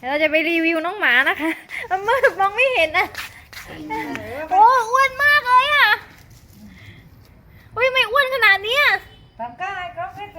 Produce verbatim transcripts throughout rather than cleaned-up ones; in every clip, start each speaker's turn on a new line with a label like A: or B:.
A: เราจะไปรีวิวน้องหมานะคะมืดมองไม่เห็นอ่ะโอ้อ้วนมากเลยอ่ะอุ้ยไม่อ้วนขนาดนี้อ่ะ
B: ทำก้าให้ครบให้สิ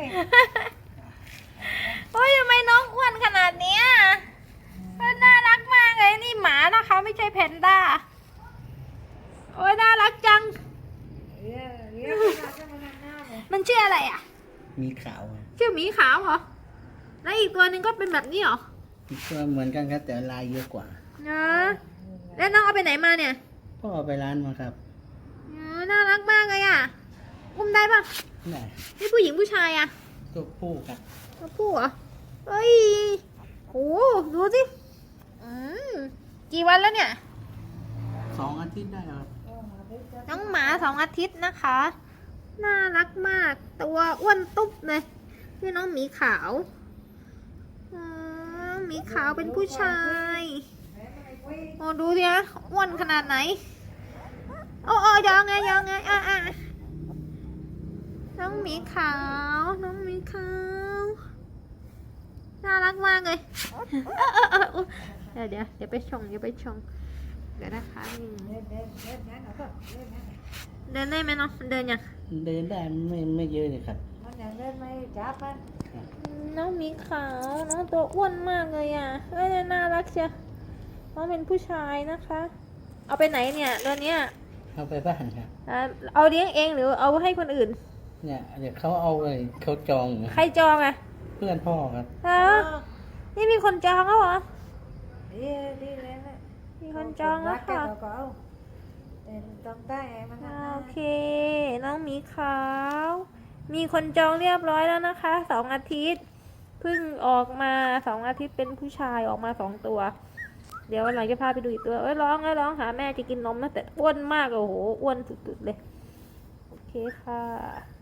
A: โอ้ยทำไมน้องอ้วนขนาดนี้อ่ะน่ารักมากเลยนี่หมานะคะไม่ใช่แพนด้าโอ้ยน่ารักจัง
B: เรียกเรียกมาจะมาทำหน้าเลย
A: มันชื่ออะไรอ่ะ
C: มีขาวอะ
A: ชื่อหมีขาวเหรอแล้วอีกตัวหนึ่งก็เป็นแบบนี้เหรอ
C: อีกตัวเหมือนกันครับแต่ลายเยอะกว่า
A: เนอะแล้วน้องเอาไปไหนมาเนี่ย
C: พ่อเอาไปร้านมาครับ
A: อ๋อน่ารักมากเลยอ่ะอุ้มได้ปะ
C: ได้
A: นี่ผู้หญิงผู้ชายอ่ะ
C: ตัวผู้ครับ
A: ตัวผู้เหรอเฮ้ยโหดูสิอืมกี่วันแล้วเนี่ย
C: สองอาทิตย์ได้ครับ
A: น้องหมาสองอาทิตย์นะคะ น่ารักมาก ตัวอ้วนตุ๊บเลยนี่น้องหมีขาวอ๋อหมีขาวเป็นผู้ชายโอ้ดูดินะอ้วนขนาดไหนโอ้โอ้ยองไงยองไงอ่ะอ่ะน้องหมีขาวน้องหมีขาวน่ารักมากเลยเออเออเออเดี๋ยวเดี๋ยวเดี๋ยวไปชงเดี๋ยวไปชงเดี๋ยวนะคะนี่
B: เล่นเล่นเล่นนะหนูก็เล่นนะ
A: เดินได้ไหมเนาะเดินยัง
C: เดินได้ไม่ไม่เยอะเลยครับ
B: มันยังเล่นไม่จับมัน
C: ครับ
A: น้องหมีขาว น้องตัวอ้วนมากเลยอ่ะเอ้ยน่ารักเชียวน้องเป็นผู้ชายนะคะ เอาไปไหนเนี่ยตัวเนี้ย
C: เอาไปบ้านครับ
A: อ่าเอาเลี้ยงเองหรือเอาให้คนอื่น
C: เนี่ยเดี๋ยวเขาเอาเลยเขาจอง
A: ใครจองอ่ะ
C: เพื่อนพ่อครับ
A: ฮะนี่มีคนจองแล้วเหรอ
B: ดีดีเลยนะ
A: มีคนจองแล้วค่ะ
B: ก็เอาแต่ต้องได้มัน
A: โอเค น้องหมีขาว มีคนจองเรียบร้อยแล้วนะคะสองอาทิตย์เพิ่งออกมาสองอาทิตย์เป็นผู้ชายออกมาสองตัว เดี๋ยววันหลังจะพาไปดูอีกตัวเอ้ยร้องเอ้ยร้องหาแม่จะกินนมนะแต่อ้วนมากโอ้โหอ้วนสุดๆเลยโอเคค่ะ